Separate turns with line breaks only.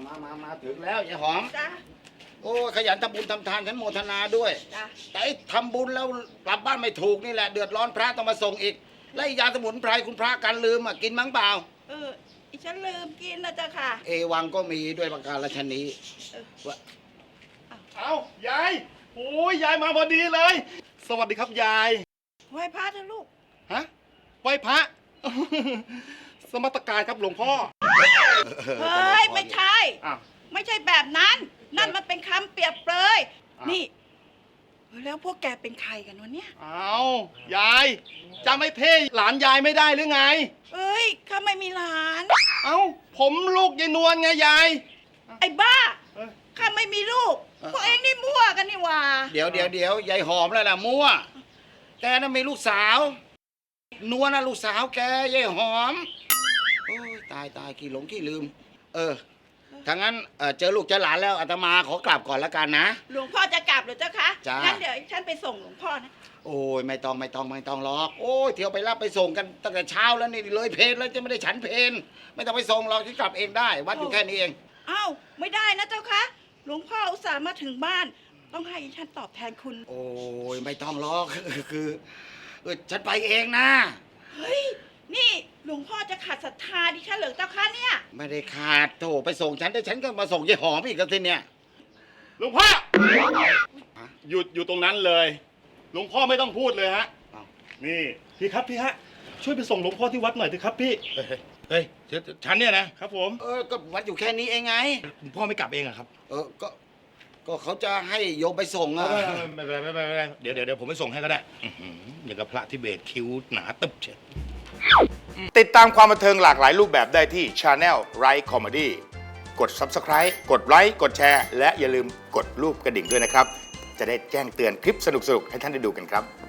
มาถึงแล้วยายหอม
จ้ะ
โอ้ขยันทำบุญทำทานฉันโมทนาด้วย
จ้ะ
แต่ไอ้ทำบุญแล้วกลับบ้านไม่ถูกนี่แหละเดือดร้อนพระต้องมาส่งอีก และยาสมุนไพรคุณพระกันลืมกินมั้งเปล่า
อีฉันลืมกินนะจ๊ะค่ะ
เอวังก็มีด้วยประการฉนี้ว่า
เอายายโอ้ยยายมาพอดีเลย สวัสดีครับยาย
ไหว้พระเถอะลูก
ฮะไหว้พระ สมตการครับหลวงพ่อ
เฮ้ย ไม่ใช่
อ้าว
ไม่ใช่แบบนั้น นั่นมันเป็นคำเปรียบเปรย
อ้าว
นี่แล้วพวกแกเป็นใครกันวะเนี่ย
เอายายจำไอ้เท่หลานยายไม่ได้หรือไง
เอ้ยข้าไม่มีหลาน
เอาผมลูกยายนวลไงยาย
ไอ้บ้า
เอ้ย
ข้าไม่มีลูก พวกเองนี่มั่วกันนี่หว่า
เดี๋ยวยายหอมแล้วล่ะมั่วแกน่ะมีลูกสาวนวลน่ะลูกสาวแกยายหอมโอ้ยตายขี้หลงขี้ลืมถ้างั้นเจอลูกเจอหลานแล้วอาตมาขอกลับก่อนแล้วกันนะ
หลวงพ่อจะกลับหรือเจ้าคะ
จ้างั้
งั้นเดี๋ยวฉันไปส่งหลวงพ่อนะ
โอ้ยไม่ต้องหรอกโอ้ยเที่ยวไปรับไปส่งกันตั้งแต่เช้าแล้วนี่เลยเพลแล้วจะไม่ได้ฉันเพลไม่ต้องไปส่งเราที่กลับเองได้ วัดอยู่แค่นี้เอง
อ้าวไม่ได้นะเจ้าคะหลวงพ่ออุตส่าห์มาถึงบ้าน ต้องให้ฉันตอบแทนคุณ
โอ้ยไม่ต้องหรอก คือฉันไปเองนะ
เฮ้ยนี่หลวงพ่อจะขัดศรัทธาดิฉันเหรือเจ้าคะเนี่ย
ไม่ได้ขาดโถไปส่งฉันแต่ฉันก็มาส่งยายหอมอีกแล้วทีเนี่ย
หลวงพ่อหยุดอยู่ตรงนั้นเลย หลวงพ่อไม่ต้องพูดเลยฮะ
อ้าว
นี่พี่ครับพี่ฮะช่วยไปส่งหลวงพ่อที่วัดหน่อยเถอะครับพี่
เฮ้ยฉันเนี่ยนะครับ
ผม
ก็วัดอยู่แค่นี้เองไง
หลวงพ่อไม่กลับเองอะครับ
ก็เขาจะให้โยมไปส่งอะ
ไม่เป็นไรเดี๋ยวผมไปส่งให้ก็ได้อื้อหืออย่างกับพระทิเบตคิ้วหนาตึบเชียว
ติดตามความบันเทิงหลากหลายรูปแบบได้ที่ Channel Right Comedy กด Subscribe กดไลค์กดแชร์และอย่าลืมกดรูปกระดิ่งด้วยนะครับ จะได้แจ้งเตือนคลิปสนุกๆ ให้ท่านได้ดูกันครับ